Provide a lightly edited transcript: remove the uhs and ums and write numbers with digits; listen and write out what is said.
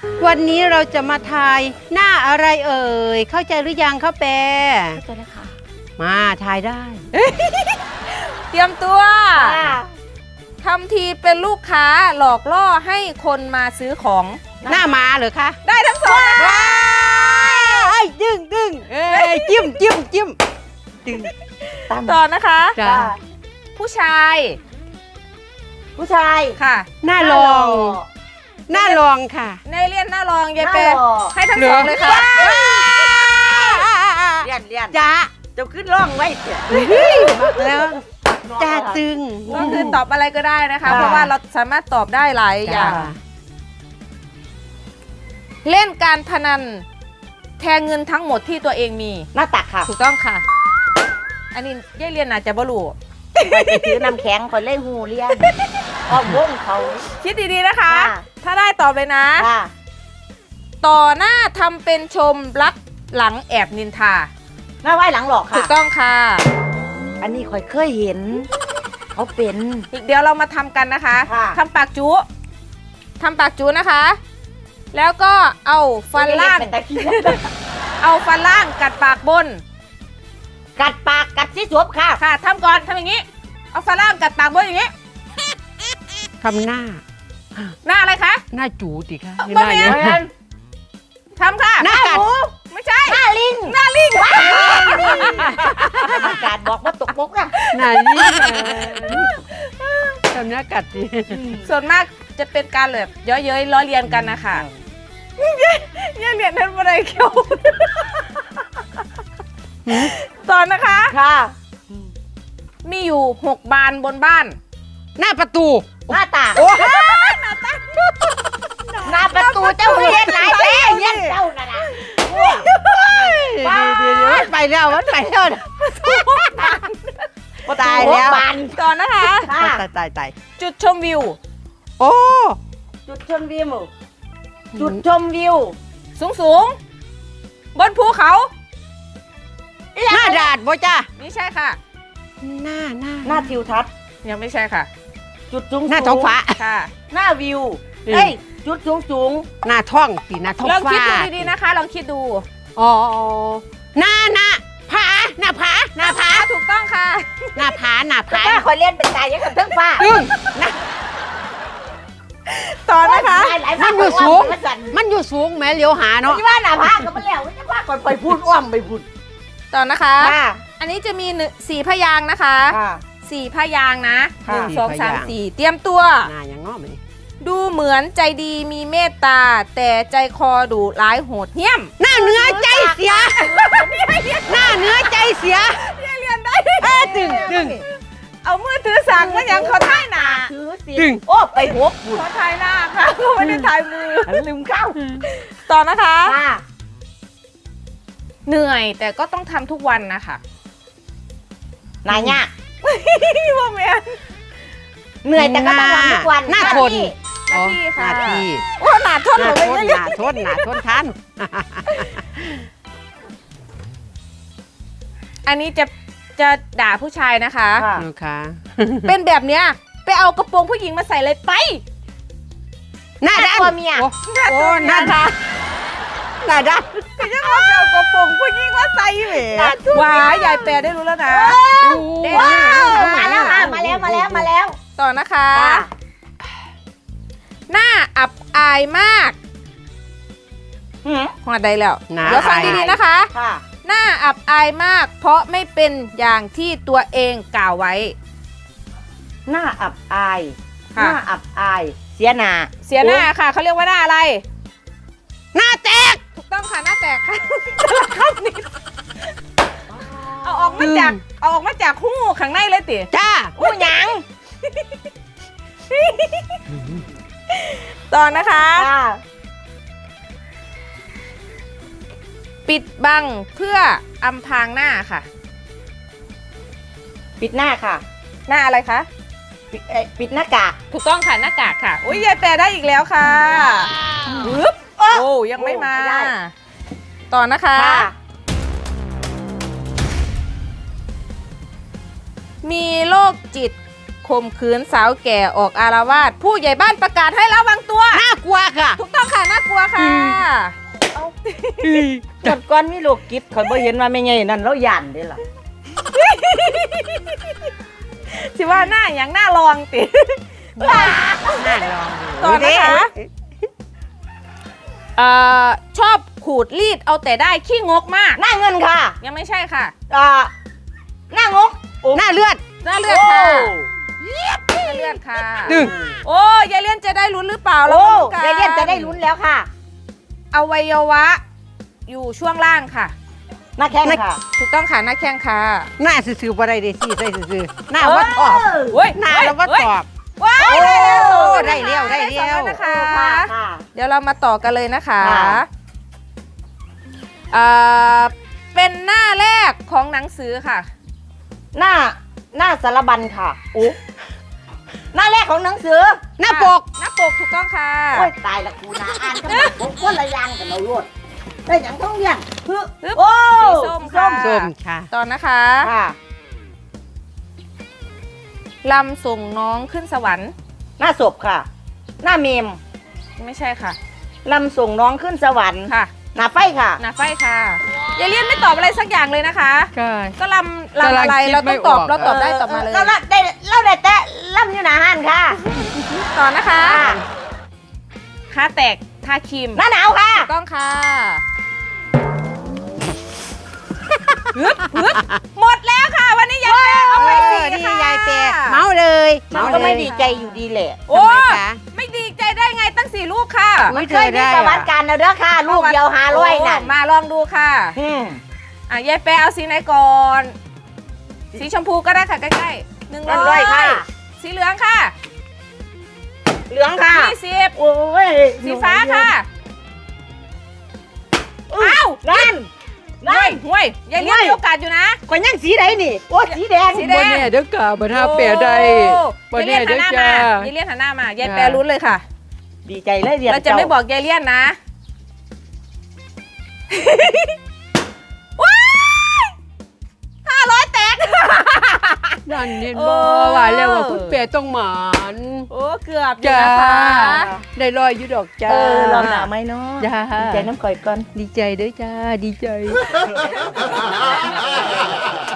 วันนี้เราจะมาทายหน้าอะไรเอ่ยเข้าใจหรือยังข้าวแปรเข้าใจแล้วค่ะมาทายได้เตรียมตัวทำทีเป็นลูกค้าหลอกล่อให้คนมาซื้อของหน้าม้าเหรอคะได้ทั้งสองนะคะไอ้ดึงจิ้มดึงต่อนะคะจ้าผู้ชายผู้ชายค่ะหน้าลองหน้าลองค่ะในเรียนหน้ารองยายหน้าเปหล่อให้ทั้งสองเลยค่ะเลียนจ้าจะขึ้นร่องไว้เถอะแล้วจ้าตึงก็คือตอบอะไรก็ได้นะคะค่ะเพราะว่าเราสามารถตอบได้หลายอจ้าย่าง เล่นการพนันแทนเงินทั้งหมดที่ตัวเองมีหน้าตักค่ะถูกต้องค่ะ อันนี้ยายเรียนอาจจะบ่รู้ไปถือน้ำแข็งคนเล่หูเลียนอ้อมวงเขาคิดดีๆนะคะค่ะถ้าได้ตอบเลยนะค่ะต่อหน้าทำเป็นชมรักหลังแอบนินทาหน้าไหว้หลังหลอกถูค่ะกต้องค่ะอันนี้ค่อยเคยเห็น เขาเป็นเดี๋ยวเรามาทำกันนะคะค่ะทำปากจุทำปากจุนะคะ แล้วก็เอาฟันล่างเป็นตะเคียนเอาฟันล่างกัดปากบนกัดปากกัดที่สวบค่ะค่ะทำก่อนทำอย่างนี้ เอาฟันล่างกัดปากบนอย่างนี้ทำหน้าหน้าอะไรคะหน้าจูติค่ะบ่แม่น ทำค่ะหน้ากัดไม่ใช่หน้าลิงหน้าลิงกรรมการบอกว่าตกบกนะหน้านี่ทำหน้ากัดดิส่วนมากจะเป็นการแบบเย้ยๆล้อเลียนกันนะคะเนี่ยเรียนนั้นอะไรเกี่ยวตอนนะคะค่ะมีอยู่6 บานบนบ้านหน้าประตูหน้าตากหน้าประตูเจ้าเฮียนไหนแท้เฮียนเจ้าน่ะนะเดี๋ยวมันไปแล้วมันไปแล้ว ตายแล้วบานตอนนะคะค่ะตายจุดชมวิวโอ้จุดชมวิว จุดชมวิวสูงๆ บนภูเขาหน้าดาดบ่จ้านี่ใช่ค่ะหน้าหน้าทิวทัศน์ยังไม่ใช่ค่ะจุดสูงหน้าท้องฟ้าค่ะหน้าวิวอืมเอ้ยจุดสูงหน้าท้องตีหน้าท้องลองคิดฟ้าดูดีๆนะคะ ลองคิดดูอ๋อหน้าผาหน้าผาถูกต้องค่ะหน้าผาถ้าคอยเล่นเป็นตายยังกับเทิงฟ้าตึ้งตอนนะคะหลายมันอยู่สูงมันสั่นมันอยู่สูงแม้เลี้ยวหาเนาะที่ว่าหน้าผาก็มาแล้วจะว่าก่อนไปพูดอ้อมไปพูดตอนนะคะค่ะอันนี้จะมี4 พยางค์นะคะค่ะ 4 พยางค์นะค่ะ 1 2 3 4 เตรียมตัวหน้าอย่างง้อไหมดูเหมือนใจดีมีเมตตา แต่ใจคอดุร้ายโหดเหี้ยมหน้าเนื้อใจเสีย หน้าเนื้อใจเสียเรียนได้ตึงเอามือถือสั่งมาอย่างเขาท่ายหนาถือสิดึงโอ้ไปหัวพูดเขาถ่ายหน้าค่ะเขาไม่ได้ถ่ายมือลืมเข้าต่อนะคะค่ะเหนื่อยแต่ก็ต้องทำทุกวันนะคะนายเนี่ยพี่ว่าแม่เหนื่อยแต่ก็ต้องทำทุกวันหน้าทนหน้าที่ค่ะหน้าที่โอ้หนาทนหเหรน้าอทไม่นใช่หน้าทนทันอันนี้จะด่าผู้ชายนะคะค่ะนะคะเป็นแบบเนี้ยไปเอากระโปรงผู้หญิงมาใส่เลยไปหน้าด้านตัวเมียโอ้หน้าด้านหน้าด้านยังเอาไปเอากระโปรงผู้หญิงมาใส่เหวว้ายยายแปรได้รู้แล้วนะว้าวมาแล้วค่ะมาแล้วต่อนะคะค่ะหน้าอับอายมากหืมหัวใดแล้วหน้าเดี๋ยวฟังดีๆนะคะค่ะหน้าอับอายมาก เพราะไม่เป็นอย่างที่ตัวเองกล่าวไว้หน้าอับอาย หค่ะน้าอับอาย เสียหน้าเสียหน้าค่ะเขาเรียกว่าหน้าอะไรหน้าแตกถูกต้องค่ะหน้าแตกค่ะเอาออกมาจากหูข้างในเลยติจ้าผู้หยังต่อนะคะค่ะปิดบังเพื่ออำพรางหน้าค่ะปิดหน้าค่ะหน้าอะไรคะปิดหน้ากากถูกต้องค่ะหน้ากากค่ะอุ้ยยายแปรได้อีกแล้วค่ะปึ๊บโอ้ยังไม่มาไม่ได้ต่อนะคะค่ะมีโรคจิตข่มขืนสาวแก่ออกอารวาสผู้ใหญ่บ้านประกาศให้ระวังตัวน่ากลัวค่ะถูกต้องค่ะน่ากลัวค่ะหมดก่อนมีโรคจิตข่อยบ่เห็นว่าแม่ใหญ่นั่นแล้วย่านเด้ล่ะสิว่าหน้าอย่างหน้าลองติน่าลองต่อนะคะชอบขูดรีดเอาแต่ได้ขี้งกมากหน้าเงินค่ะยังไม่ใช่ค่ะหน้างกหน้าเลือดหน้าเลือดค่ะหน้าเลือดค่ะดึงโอ้ยายเลี่ยนจะได้ลุ้นหรือเปล่าเราโอ้มาลุ้นกันยายเลี่ยนจะได้ลุ้นแล้วค่ะอวัยวะ อยู่ช่วงล่างค่ะหน้าแข้งค่ะถูกต้องค่ะหน้าแข้งค่ะหน้าซื่อๆบ่ได้เด้สิใส่ซื่อๆหน้าวัดตอบเฮ้ยหน้าแล้ววัดตอบว้ายโอ้ได้แล้วได้เร็วได้เร็วสองนะคะค่ะเดี๋ยวเรามาต่อกันเลยนะคะค่ะเป็นหน้าแรกของหนังสือค่ะหน้าสารบัญค่ะโอ้หน้าแรกของหนังสือหน้าปกหน้าปกถูกต้องค่ะโอ้ยตายละกูนะอ่านกันแบบผมคนละอย่างกันเราโลดได้หยังต้องเรียนคือฮึบโอ้สีส้มค่ะส้มค่ะต่อนะคะค่ะลำส่งน้องขึ้นสวรรค์หน้าศพค่ะ หน้าเมมไม่ใช่ค่ะลำส่งน้องขึ้นสวรรค์ค่ะหน้าไฟค่ะหน้าไฟค่ะยายเลียนไม่ตอบอะไรสักอย่างเลยนะคะก็ก็ลำอะไรกำลังคิดเราต้องตอบไม่ออกเราตอบได้ตอบมาเลยเราได้แต่ลำอยู่หน้าห้านค่ะต่อนะคะค่ะค่าแตกทาครีมหน้าหนาวค่ะถูกต้องค่ะฮึดฮึดหมดแล้วค่ะ วันนี้ยายแปรเอาไปเอสี่อนี่ค่ะยายเปย์เมาเลยมันเาก็เลยไม่ดีใจอยู่ดีแหละโอ้ทำไมคะไม่ดีใจได้ไงตั้ง4 ลูกค่ะอุ๊มันยเคยมีประวัติการแล้วเด้อค่ะ ลูกเดียว500น่ะมาลองดูค่ะอืมยายแปรเอาสีไหนก่อน สีชมพูก็ได้ค่ะใกล้ๆ100 ค่ะสีเหลืองค่ะเหลืองค่ะ 20 โอ้ยสีฟ้าค่ะ อ้าวนั่นห่วยยายเลี้ยงมีโอกาสอยู่นะข่อยยังสีใดนี่ โอ้สีแดงสีแดงบ่แน่เด้อกะบ่ท่าเปย์ได้บ่ยายแน่เลี้ยงหัเด้นอหน้าจ้ามายายเลี้ยงหันหน้ามายายจ้าแปรลุ้นเลยค่ะดีใจเลยเรียนเราจะไม่บอกยายเลี้ยนนะ ว้าย500 แตกนั่นเห็นโอ้บ่ว่าแล้วว่าคุณเปย์ต้องหมานโอ้เกือบอยู่จ้านะคะได้ลอยอยู่ดอกจ้าลองหนาไหมเนาะจ้าดีใจน้ำก่อยก่อนดีใจเด้อจ้าดีใจ